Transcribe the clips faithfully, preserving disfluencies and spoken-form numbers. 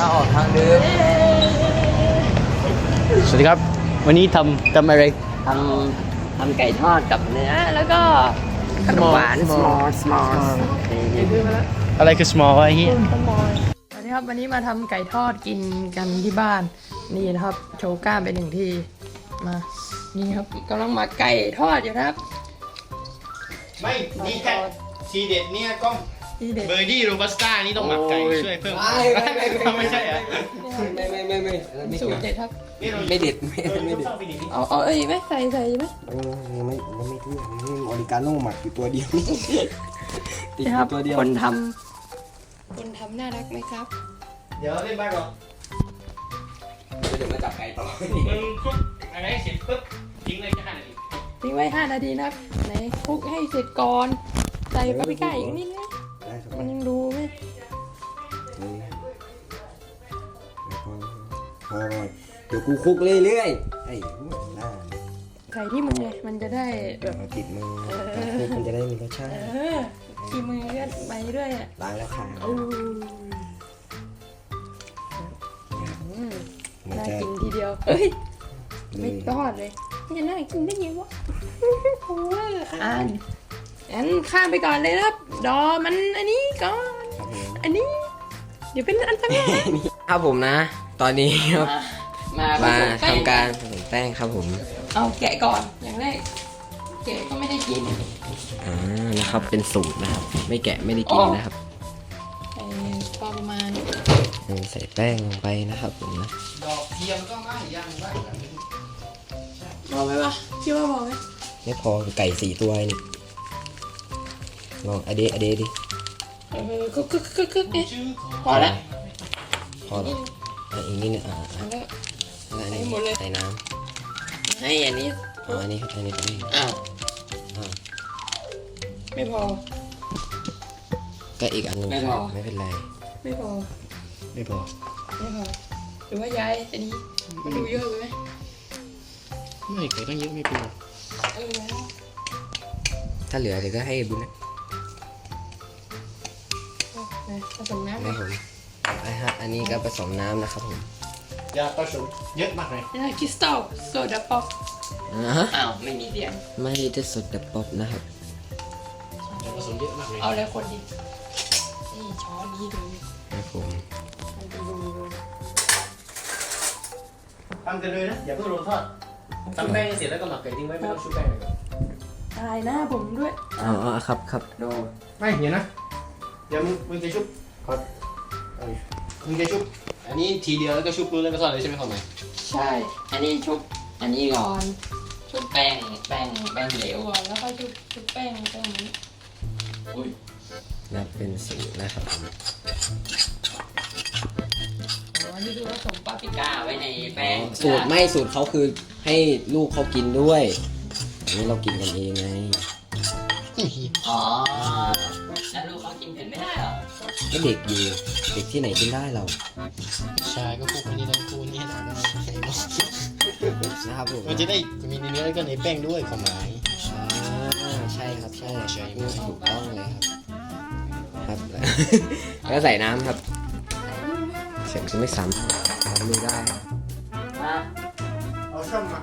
มาออกทางเดิมสวัสดีครับวันนี้ทำทำอะไรทำทำไก่ทอดกับเนื้อแล้วก็ขนมหวาน small small อะไรคือ small วะไอ้เหี้ยสวัสดีครับวันนี้มาทำไก่ทอดกินกันที่บ้านนี่นะครับ โชว์กล้ามไปหนึ่งทีมานี่ครับกำลังหมักไก่ทอดอยู่นะครับไม่นี่แค่ทีเด็ดเนี่ยกล้องนี่เด็ดเบอร์ดี้โรบัสต้านี่ต้องหมักไก่ช่วยเพิ่มไม่ใช่เหรอไม่ไม่ไม่ไม่ไม่สูตรเด็ดครับไม่เด็ดไม่ไม่เด็ดเอาเอาเอ้ยไหมใส่ใส่ไหมไม่ไม่ไม่ไม่ทุกอย่างนี่ออริกาโน่หมักอยู่ตัวเดียวติดอนะครัยู่ตัวเดียวคนทำคนทำน่ารักไหมครับเดี๋ยวเล่นบ้างก่อนเดี๋ยวมาจับไก่ต่อมึงคลุกอะไรเสร็จปุ๊บทิ้งเลยแค่ห้านาทีทิ้งไว้ห้านาทีนะครับไหนคลุกให้เสร็จก่อนใส่ปาปริก้าอีกนิดนึงได้ครับมันยังดูไหมพอเดี๋ยวกูคุกเรื่อยๆไอ้หน้าไก่ที่มันไงมันจะได้แบบติดมือคุกมันจะได้มีรสชาติเออกินมือเลื่อนไปเรื่อยอ่ะล้างแล้วค่ะอู้อืมน่ากินทีเดียวเอ้ยไม่รอดเลยนี่น่ากินได้ยังวะโอ้ยอ่านงั้นข้ามไปก่อนเลยนะครับดอมันอันนี้ก่อนอันนี้เดี๋ยวเป็นอันตรายครับผมนะ ตอนนี้ครับมามาผสแป้งทำการผสมแป้งครับผมเอาแกะก่อนอย่างแรกแกะก็ไม่ได้กินอ่านะครับเป็นสูตรนะครับ ไม่แกะไม่ได้กินนะครับใส่ประมาณใส่แป้งลงไปนะครับผมนะดอกเทียมก็ไม่ยังไม่พอไหมวะคิดว่าพอไหมไม่พอไก่สี่ตัวนี่ลองอเดะอเดะดิเออคึกคึกคึกคึกเนี่ยชื่อของพอแล้วพอแล้วอ่ะอีกนิดนึงอ่าพอแล้วแล้วอันนี้ให้หมดเลยใส่น้ให้อันนี้ำเอาอันนี้อันนี้อันนี้อ้าวอ่าไม่พอก็อีกอันหนึงไม่พอไม่เป็นไรไม่พอไม่พอไม่พอหรือว่าย้ายอันนี้มันดูเยอะไปไหมไม่ไก่ต้องเยอะไม่เป็นไรเออแล้วถ้าเหลือเดี๋ยวก็ให้บุญนะนะผสมน้ำคไหมรับผมอ่ะฮะอันนี้ก็ผสมน้ำนะครับผมอย่าผสมเยอะมากเลยนะคริสตัลโซดาป๊อปอ่าฮะอ้าวไม่มีเสียงไม่ได้สดดับป๊อปนะครับอย่าผสมเยอะมากเลยเอาเลยคนดินี่ช้อนนี้ดูครับผมมันจะดูทำกันเลยนะอย่าเพิ่งลงทอดทำแป้งเสร็จแล้วก็หมักไก่ทิ้งไว้ไม่ต้องชุบแป้งเลยก่อนถ่ายหน้าผมด้วยอ๋อครับครับดูไม่เดี๋ยวนะเดี๋ยวมึงมึงจะชุบขอเอาดิมึงจะชุบอันนี้ทีเดียวแล้วก็ชุบรู้แล้วก็ทอดเลยใช่ไหมความหมายใช่ อันนี้ชุบอันนี้ก่อนชุบแป้งแป้งแป้งเหลวก่อนแล้วก็ชุบชุบแป้งแป้งนี้อุ้ยนับเป็นสูตรนะครับผมอ๋อนี่คือผสมปาปริก้าไว้ในแป้งสูตรไม่สูตรเขาคือให้ลูกเขากินด้วยอันนี้เรากินกันเองไงอ๋อแล้วลูกเขากินเผ็ดไม่ได้เหรอก็เด็กอยู่เด็กที่ไหนกินได้เราใช่ก็คู่คนนี้ทั้งคู่นี่นะนะครับผมมันจะได้มีเนื้อแล้วก็ในแป้งด้วยความหมายอ่าใช่ครับใช่ใช่นี่ถูกต้องเลยครับครับ แล้วใส่น้ำครับเสียงจะไม่ซ้ำทำไม่ได้มาเอาช่อมมา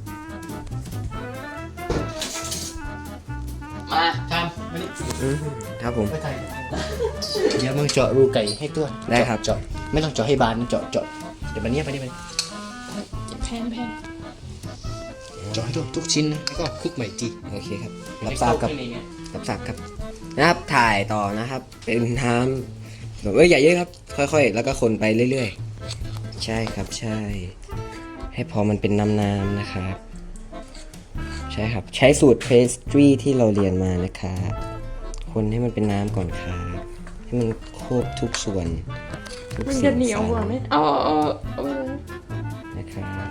มาทำมานี่อืมครับผมไม่ไทยเดี๋ยวมึงเจาะรูไก่ให้ตัวได้ครับเจาะไม่ต้องเจาะให้บานเจาะเจาะเดี๋ยวมันเนี้ยไปนี่ไปแพนแพนเจาะให้ตัวทุกชิ้นนะแล้วก็คลุกใหม่จีโอเคครับรับทราบครับรับทราบครับนะครับถ่ายต่อนะครับ เป็นน้ำแบบเอ้ยอย่าเยอะครับ ค่อยๆ แล้วก็คนไปเรื่อยๆ ใช่ครับใช่ ให้พอมันเป็นน้ำๆนะครับ ใช่ครับใช้สูตรเพสตรีที่เราเรียนมานะครับคนให้มันเป็นน้ำก่อนครับให้มันครบทุกส่วนทุกมันสิ่จะงเหนียวกว่าไหมเอาเอาเอานะครับ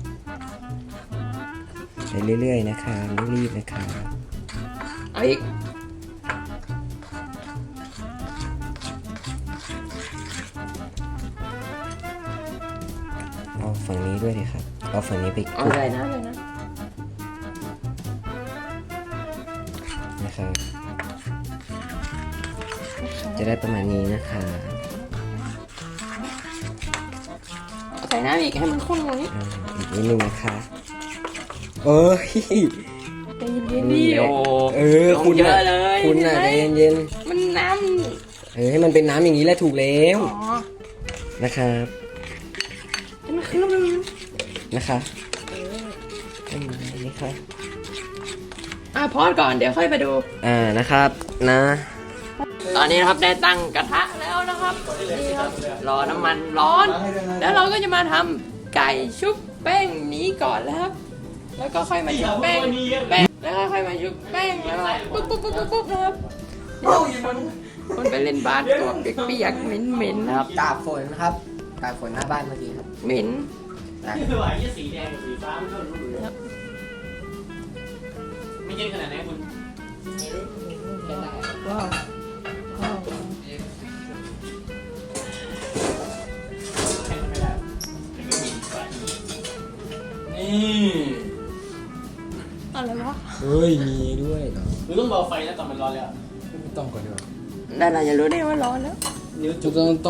ไปเรื่อยๆนะครับไม่รีบนะครับเอาอีกเอาฝั่งนี้ด้วยเลยครับเอาฝั่งนี้ไปคเอาลุกเลยนะเลยนะนะครับจะได้ประมาณนี้นะคะใส่น้ำอีกให้มันข้นกว่านี้อ่าอีกนิดนึงนะคะเอ้ยใจเย็นๆดิโอ้เออคุณเยน่ะอะเลยคุณน่ะเห็ใจนไหมเย็นมันน้ๆเออให้มันเป็นน้ำอย่างนี้แหละถูกแล้วำอ๋อนะครับให้มันขึ้นแล้วมันนะคะอันนี้ค่ะอ่ะพอดก่อนเดี๋ยวค่อยไปดูอ่านะครับนะตอนนี้นะครับได้ตั้งกระทะแล้วนะครับนี่ครับรอน้ำมันร้อน แล้วเราก็จะมาทำไก่ชุบแป้งนี้ก่อนแล้วครับ แล้วก็ค่อยมาชุบแป้งแป้งแล้วก็ค่อยมาชุบแป้งแล้วก็ปุ๊บปุ๊บปุ๊บปุ๊บปุ๊บนะครับคนคนไปเล่นบาสตัวเปียกๆเหม็นๆนะครับตากฝนนะครับตากฝนหน้าบ้านเมื่อกี้ครับเหม็นนี่คือว่ายี่สีแดงกับสีฟ้ามันก็รู้เลยไม่เย็นขนาดไหนคุณว้าวว้าวแข่งไม่ได้นี่อะไรวะเฮ้ยมีด้วยเหรอหรือต้องเบาไฟนะตอนมันร้อนแล้วไม่ต้องก่อนดีกว่าได้เราจะรู้ได้ว่าร้อนแล้วนิ้วต้จุอก งต้อง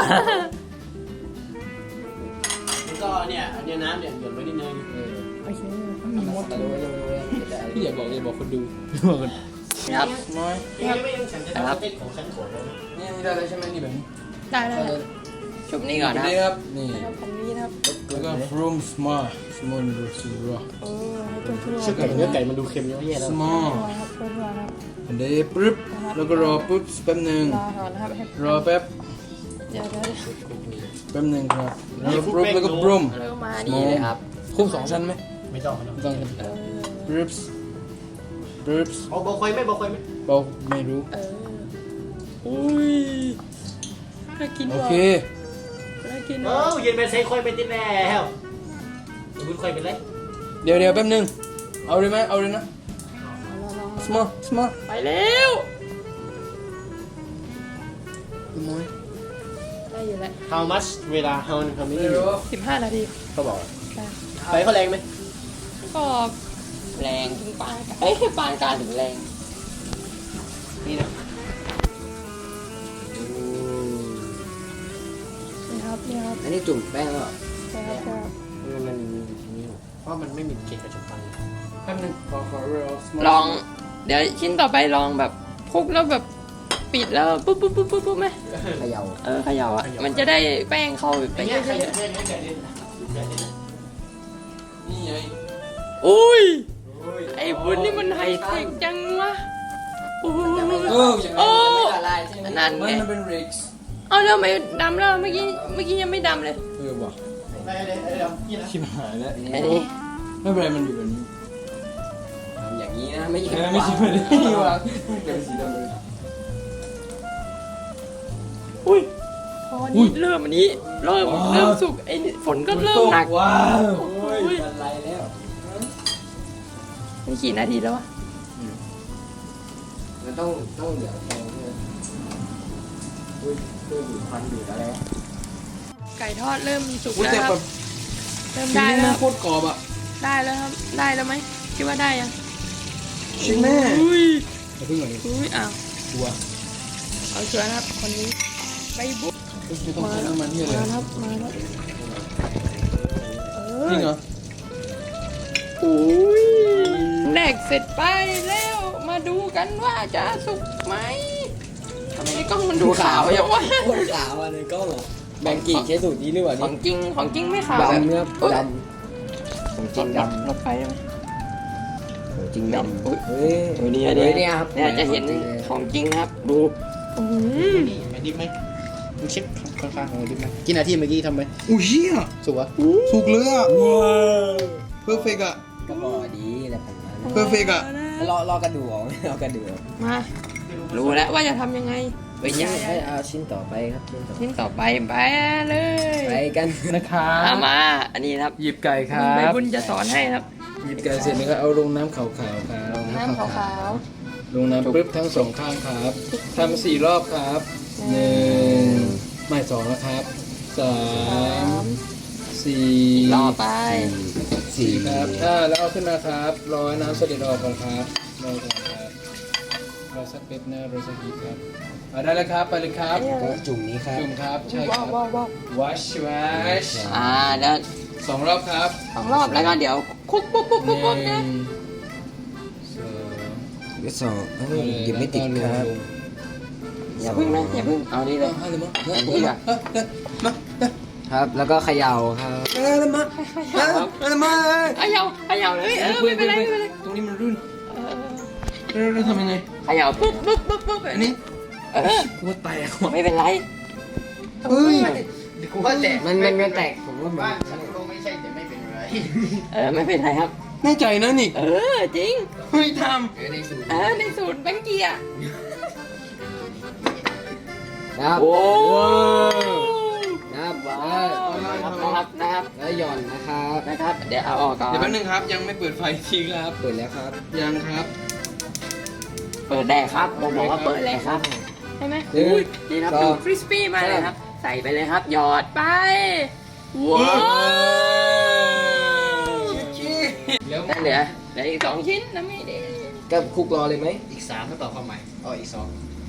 แล้วก็เนี่ยอันนี้น้ำเนี่ยหยดไว้นิดนึงโอเคมีหมดพี่อย่าบอกอย่าบอกคนดูครับน้อยนี่ไม่ยังฉันจะทำเต้นของฉันโขนแล้วนี่ได้แล้วใช่ไหมนี่แบบนี้ได้แล้วชุบนี่ก่อนนะนี่คครับ รับนี่ผมนี้นะครับแล้วก็ from small small small เออให้ตัวทั่วชื่อไก่เนื้อไก่มันดูเค็มเยอะแยะแล้ว small ครับตัวทั่วครับอันนี้ปึ๊บแล้วก็รอปึ๊บแป๊บหนึ่งรอก่อนนะครับให้รอแป๊บเดี๋ยวเดี๋ยวแป๊บหนึ่งครับแล้วก็ปึ๊บแล้วก็บรุมแล้วก็มานี่เลยครับคุ้มสองชั้นไหมไม่ต้องไม่ต้องต้องเออปึ๊บปึ๊บเอาเบาไฟไหมเบาไฟไหมบอกไม่รู้เอออุ้ยน่ากินโอว่ะเคน่ากินเอว่ะอเย็นเป็นเซ็ค่อยเป็นติดแล้วคุณค่อยเป็นไรเดี๋ยวเดี๋ยวแป๊บหนึงเอาเลยไหมเอาเลยนะ small small ไปแล้วน้อยได้อยู่แล้ว how much เวลา how how many สิบห้านาทีเขาบอกได้ไฟเขาแรงไหมก็แรงถึงปานกลางเอ้ยปานกลางถึงแรงนี่นะนี่ครับนี่ครับอันนี้จุ่มแป้งแล้วเหรอใช่ครับใช่ครับมันมันนี่เพราะมันไม่มีเกล็ดกระจกฟันแป๊บหนึงขอขอ real small ลอง เดี๋ยวชิ้นต่อไปลองแบบคลุกแล้วแบบปิดแล้วปุ๊บปุ๊บปุ๊บปุ๊บปุ๊บไหมเขย่าเออเขย่าอ่ะมันจะได้แป้งเข้าไปไอ้เยเนี่ยใครอะจะเล่นไก่เล่นไก่เล่นนี่ไงๆอุ้ยไอ้บุญนี่มันไฮเทคจังวะโอ้โหเอออย่างโอ้นั้นไม่ละลายใช่ไหมนั่นไงมันเป็น rigs เอาแล้วไม่ดำแล้วเมื่อกี้เมื่อกี้ยังไม่ดำเลยเออว่ะไม่ได้ไอ้เรานี่นะชิบหายแล้วอันนี้ไม่เป็นไรมันอยู่แบบนี้อย่างนี้นะไม่ใช่เออไม่ใช่แบบนี้วางเป็นสีดำเลยอุ้ยพอนี้เริ่มอันนี้เริ่มเริ่มสุกไอ้นี่ฝนก็เริ่มหนักว้าวโอ้โอ้ยยอะไรแล้วนี่กี่นาทีแล้ววะมันต้องต้องเหลือแค่นี้อุ้ยคือดูดควันดูดอะไรไก่ทอดเริ่มสุกอุ้ยแล้วแต่คแบรับบ เริ่มชิ้นได้นี้แล้มันวโคตรกรอบอ่ะได้แล้วครับได้แล้วไหมคิดว่าได้ยังชิ้นแม่อุ้ยอย่าเพิ่งก่อนดิอุ้ยอ้าวตัวเอาเชือนะครับคนนี้ไปบุ๊กไม่ต้องใช้น้ำมันที่อะไรมาครับมาครับเออจริงเหรออุ้ยแดกเสร็จไปแล้วมาดูกันว่าจะสุกไหมทำไมในกล้องมันดูขาวอย่างวะโคตรขาวอ่ะในกล้องอ่ะแบงกี้ใช้สูตรนี้หรือเปล่าขอนี่งจริงของจริงไม่ขาวดำเนี่ยอุ๊ยดำของจรริงถดรถไฟได้ไหมำของจริงดำอุ๊ยเฮ้ยเฮ้ยนี่เฮ้เนี่ยยเนี่ยครับเนี่ยจะเห็นของจริงนะครับ ดูอื้อหือนี่มันดิบไหมมึงเช็คข้างๆของดิบไหมกี่นาทีเมื่อกี้ทำไหมอุ้ยเหี้ยสุกวะถูกเลยอ่ะว้าวเพอร์เฟกต์อ่ะก็พอดีอะไรประมาณนั้นเพอร์เฟกต์อ่ะรอรอกระดูกออกรอกระดูกออกมารู้แล้วว่าจะทำยังไงไปยังให้เอาชิ้นต่อไปครับชิ้นต่อไปชิ้นต่อไปไปเลยไปกันนะครัเอาบมา อันนี้นะครับหยิบไก่ครัใบบบบุญจะสอนให้ครับหยิบไก่เสร็จแล้วก็เอาลงน้ำขาวๆครับน้ำขาวลงน้ำปึ๊บทั้งสองข้างครับทำสี่รอบครับหนึ่งไม่สองนะครับสาๆสาม มสี่รอไปสี่ครับอ่าแล้วเอาขึ้นมาครับรอให้น้ำเสด็จออกก่อนครับรอก่อนครับรอสักเป๊บนะรอสักทีครับเอาได้แล้วครับไปเลยครับก็จุ่มนี้ครับจุ่มครับใช่คว้ารัวบว้าวว้าว wash wash อ่าเดี๋ยวสองรอบครับสองรอบแล้วก็เดี๋ยวคุกปุ๊บปุ๊บหปุ๊นึ่บปุ๊บนะงสองก็สองเอ้ยหยิบไม่ติดครับอย่าพึ่งนะอย่าพึ่งเอานี่เลยเอาเลยมั้งอันนี้อ่ะมาครับ แล้วก็เขย่าครับเออมาเขย่าเออมาเขย่าเขย่าเลยเออไม่เป็นไรไม่เป็นไรตรงนี้มันรุ่นเออเราเราทำยังไงเขย่าปุ๊บปุ๊บปุ๊บปุ๊บแบบอันนี้นี้เออกูว่าแตกว่ะไม่เป็นไรเฮ้ยเดี๋ยวกูว่าแตกมันมันมันแตกผมว่ามันบ้านฉันก็ไม่ใช่แต่ไม่เป็นไรเออไม่เป็นไรครับแน่ใจนะนิกเออจริงเฮ้ยทเออในสูตรเออในสูตรแบงค์เกียร์นะครับโอ้นะครับว้าแล้ววนะครับนะครับแล้วหย่อนนะครับนะครับ เดี๋ยวเอาออกก่อำนเดี๋ยวแป๊บนึงครับยังไม่เปิดไฟทีครับเปิดแล้วครับยังครับเปิดได้ครับผมบอกว่าเปิดเลยครับใช่ไหมหนึ่งอุ้ยนี่ครับสองดูคริสปี้มากเลยครับ ใส่ไปเลยครับ หยอดไป ว้าวแล้วนั่นเหลือเหลืออีกสองชิ้นนะไม่ได้กับคุกรอเลยไหมอีกสามถ้าต่อความหมายอ๋ออีกสอง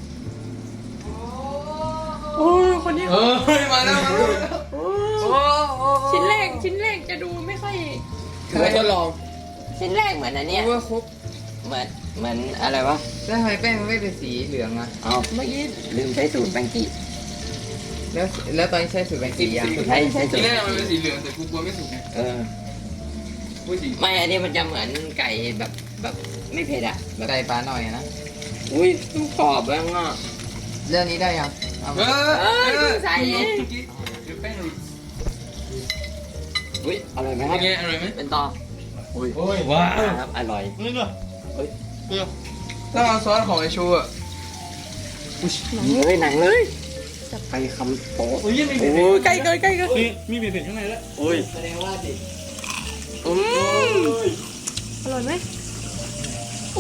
โอ้ยคนนี้เฮ้ยมาแล้วมาแล้วชิ้นแรกชิ้นแรกจะดูไม่ค่อยถือว่าทดลองชิ้นแรกเหมือนอันเนี้ยว่าครบเหมือนเหมือนอะไรวะแล้วทำไมแป้งมันไม่เป็นสีเหลืองอะเอาเมื่อกี้ลืมใช้สูตรแบงกี้แล้วแล้วตอนนี้ใช้สูตรแบงกี้ยังใช้ใช้สูทีตรแรกมันเป็นสีเหลืองแต่กูกลัวไม่สุกไงเออพูดจริงไม่อันนี้มันจะเหมือนไก่แบบแบบไม่เผ็ดอะแบบไก่ปลาหน่อยอะนะอุ้ยดูขอบแล้วอ่ะเรื่องนี้ได้ยังเอาเอมาอเอ้ยเพิ่งใส่เองเดี๋ยวแป้งหลุดอุ้ยอร่อยไหมคเป็รับนไงอร่อยไหมเป็นต่อโอ้ยว้าวครับอร่อยนี่เหรอเฮ้ยเฮ้ยต้องเอาซอสของไอชูอ่ะหนังเลยหนังเลยจะไปคำโป๊ะโอ้ยยังมีโอ้ยใกล้เกินใกล้เกินเฮ้ยมีเผ็ดๆข้างในแล้วโอ้ยแสดงว่าดิอืมอร่อยไหมโอ้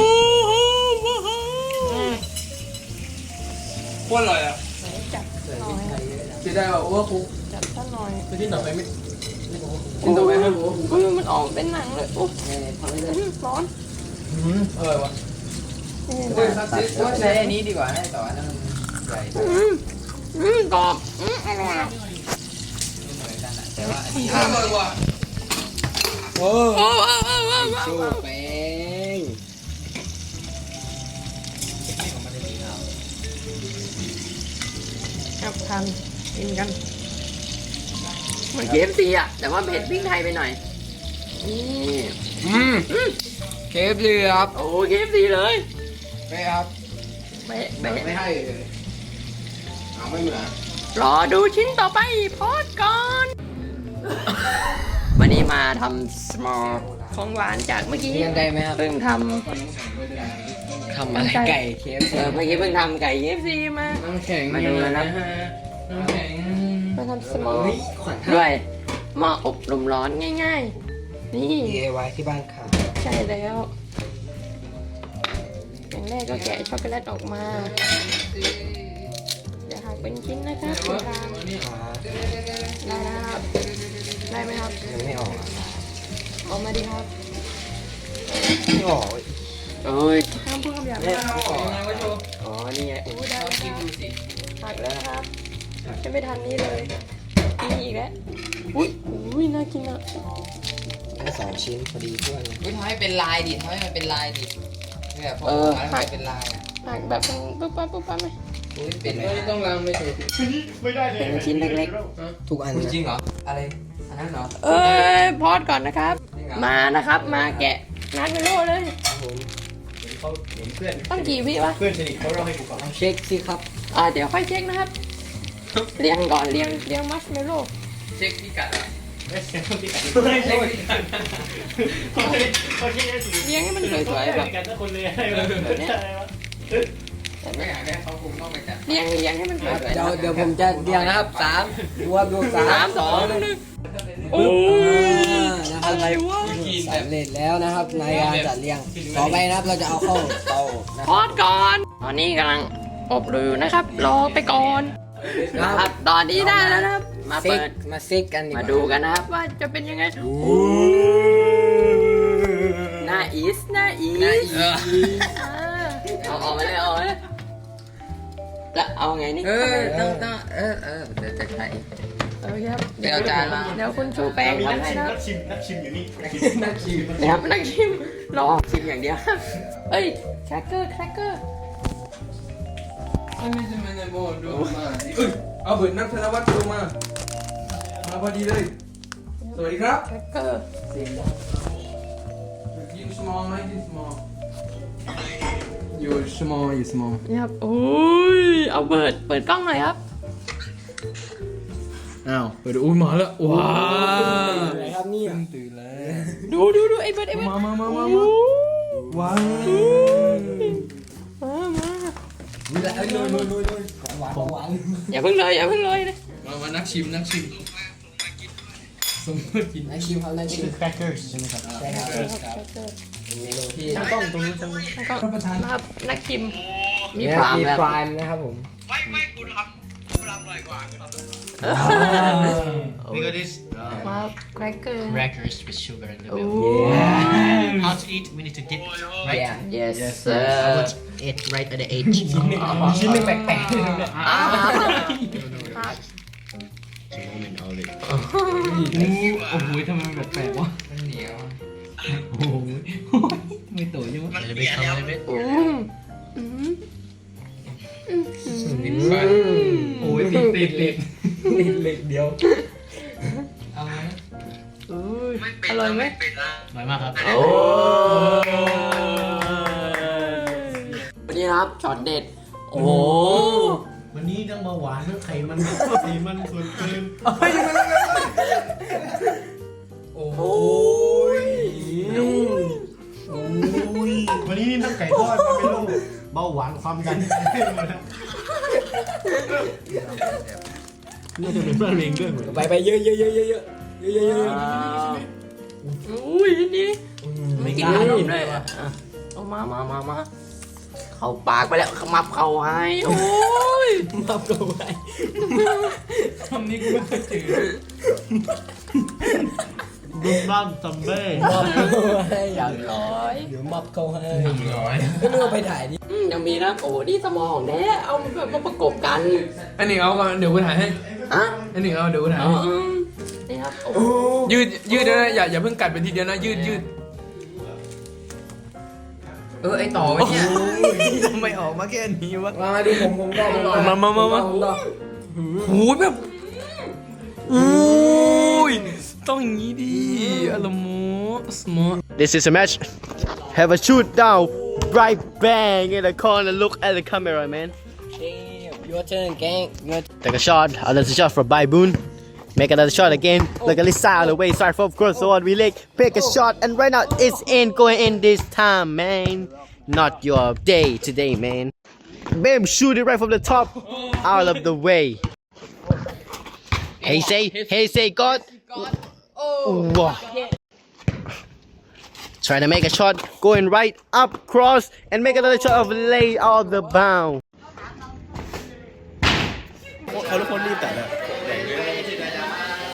โคตรอร่อยอ่ะจัดหน่อยจะได้แบบว่าคุกจัดซะหน่อยไปที่ต่อไปไม่โอ้ยโอ้ยมันออกเป็นหนังเลยโอ้ยร้อนอร่อยวะว่าใช้อันนี้ดีกว่าให้ต่ออันนั้นมันใหญ่อืมอืมกรอบอืมอร่อยเหมือนกันอะแต่ว่าอันนี้อร่อยว่ะโอ้โอ้โอ้โอ้โอ้ชูโอ้แป้งครับทานกินกันเหมือนเคฟซีอ่ะ แต่ว่าเผ็ดพริกไทยไปหน่อย นี่อืมเคฟดีครับโอ้เคฟซีเลยไปครับเบ๊ะเบ๊ะไม่ให้เลยเอาไม่เหมือนรอดูชิ้นต่อไปพอดก่อน วันนี้มาทำ small ของหวานจากเมื่อกี้เรียนได้ไหมครับเพิ่งททำอะไรไก่เคฟำเออเมื่อกี้เพิ่งทำไก่ เค เอฟ ซี มาน้ำแข็งมาดูนะครับน้ำแข็งมาทำ small เฮ้ยขวัญด้วยหม้ออบลมร้อนง่ายๆ นี่ดีไอวายที่บ้านค่ะใช่แล้ว อย่างแรกก็แกะช็อกโกแลตออกมา เดี๋ยวหักเป็นชิ้นนะครับตรงกลางขาได้นะครับ ได้ไหมครับยังไม่ออกออกมาดีครับไม่ออกเอ้ยห้ามพูดคำหยาบไม่นะออกยังไงวะโชว์อ๋อ นี่ไงอู้ได้แล้วครับหักแล้วนะครับ จะไม่ทันนี้เลยนี่อีกแล้ว อุ้ยอุ้ยน่ากินอ่ะได้สองชิ้นพอดีเพื่อนเลยวิทำให้เป็นลายดิทำให้มันเป็นลายดิแบบพอทำให้เป็นลายอ่ะหักแบบปุ๊บปั๊บปุ๊บปั๊บไหมอุ้ยเป็นไม่ต้องล้างไม่ถูกไม่ได้เลยเป็นชิ้นเล็กทุกอันจนะริงเหรอ อะไรอันนั้นเหรอๆ เอ้ยพอดก่อนนะครับจริงเหรอมานะครับ มาแกะนัดเมโลเลยเขาเห็นเพื่อนต้องกี่วิวะเพื่อนสนิทเขาเล่าให้กูฟังเอาเช็คสิครับอ่าเดี๋ยวค่อยเช็คนะครับ เรียงก่อนเรียงเรียงมัชเมลโล่เช็คพิกัดอ่ะไม่ใช่คนที่กันไม่ใช่คนที่กันเขาคิดเขาคิดได้สิเรียงให้มันสวยๆแบบกันทุกคนเลยอะไรวะไม่อยากให้เขาคุมเข้าไปจัดเรียงเรียงให้มันสวยๆเดี๋ยวเดี๋ยวผมจะเรียงนะครับสามรวมรวมสาสาม มสองหนึ่งโอ้ยนะครับอะไรวะสำเร็จแล้วนะครับในการจัดเรียง ต่อไปนะครับเราจะเอาเข้าเตานะพอดก่อน ตอนนี้กำลังอบรูนะครับ รอไปก่อนนะครับ ตอนนี้ได้แล้วนะครับ มาซิเปิกดมาซิกกันดีกมาว่าดูกันนะครับว่าจะเป็นยังไงหน้าอีสหน้าอีสอ่าเอาออกมาเลยเอาออกมาเลยแล้วเอาไงนี่เออต้องต้องเออเออเดี๋ยวจะใช้โอเคครับเดี๋ยวเอาจานมาเดี๋ยวคุณชูแป้งมีมานักให้ชิมนะคนัรับกชิมนักชิมอยู่นี่นักชิมนะครับนักชิมรอชิมอย่างเดียวเอ้ยแครกเกอร์แครกเกอร์ไม่ไม่ใช่ไม่ใช่โบดูมาเอ้ยเอาเบิร์ดนักธนวัฒน์ดูมามาพอดีเลยสวัสดีครับแครกเกอร์ยิน small ไหมยิน small อยู่ small อยู่ small นี่ครับโอ้ยเอาเปิดเปิดกล้องหน่อยครับอ้าวเปิดอุ้ยมาแล้วว้าอะไรครับนี่ตื่นแล้วดูดูดูไอ้เบิร์ดไอ้เบิร์ดมามามามาโอ้ว้าวมามาแล้วลุยลุยลุยลุยของหวานของหวานอย่าเพิ่งเลยอย่าเพิ่งเลยนะมามานักชิมนักชิมสมมติกินนักชิมครับนักชิมแครกเกอร์ใช่ไหมครับใช่ครับแครกเกอร์เป็นเมนูที่ช่างกล้องตรงนี้ช่างแล้วก็นะครับนักชิมมีมีพรามมีแล้วพรามนะครับผมนี่ก็ this มาแครกเกอร์ crackers with sugar in the โอ้ middle how to eat we need to dip it right yes I sir want it right at the edge ชิ้นหนึ่งแปลกๆเลยเนี่ยอ่า moment already โอ้โหทำไมมันแปลกๆวะมันเหนียวโอ้โหไม่โตใช่ไหม a little bit come a little bit อืมอืมติดฟันโอ้ยติดติดติดนิดเล็กเดียวเอาไหมอุ้ยอร่อยไหมอร่อยมากครับโอ้วันนี้นะครับช็อตเด็ดโอ้โหวันนี้ทั้งเบาหวานทั้งไขมันไขมันส่วนเกินโอ้โหวันนี้นี่ทั้งไก่ทอดมาเป็นโรคเบาหวานความดันน่าจะเป็นเพื่อนเองด้วยเหมือนไปไปเยอะเยอะเยอะเยอะเยอะเยอะเยอะเยอะอุ้ยนี่ไม่กินขนมเลยอ่ะเอามามามามาเข้าปากไปแล้วขมับเข้าให้โอ้ยมับเข้าไปคำนี้กูไม่เคยเจอบุ้มบ้ามซัมเบ้มับเข้าให้อย่างร้อยเดี๋ยวมับเข้าให้ร้อยไม่รู้ว่าไปถ่ายนี่อืมยังมีนะโอ้นี่สมองแท้เอาแบบมาประกบกันอันนี้เอาก่อนเดี๋ยวกูถ่ายให้อ่ะอันนี้เอาเดี๋ยวกูถ่ายอ๋อให้อืมนี่ครับโอ้ยืดยืดนะอย่าอย่าเพิ่งกัดไปทีเดียวนะยืดยืดเออไอต่อไว้เนี่ยทำไมออกมาแค่นี้วะมามาดูผมผมก็ผมก็มามามามาผมก็โอ้ยแบบโอ้ยต้องอย่างนี้ดิอารมณ์สมอ This is a match have a shoot down right bang in the corner look at the camera man your turn gang your take a shot another shot from Baiboon make another shot again look at Lisa on the way start from cross so on we leg pick a shot and right now it's in going in this time man not your day today man bam shoot it right from the top out of the way hey say hey say God Wow. Trying to make a shot going right up cross and make another shot of lay out of the bound เขาทุกคนรีบแต่ละ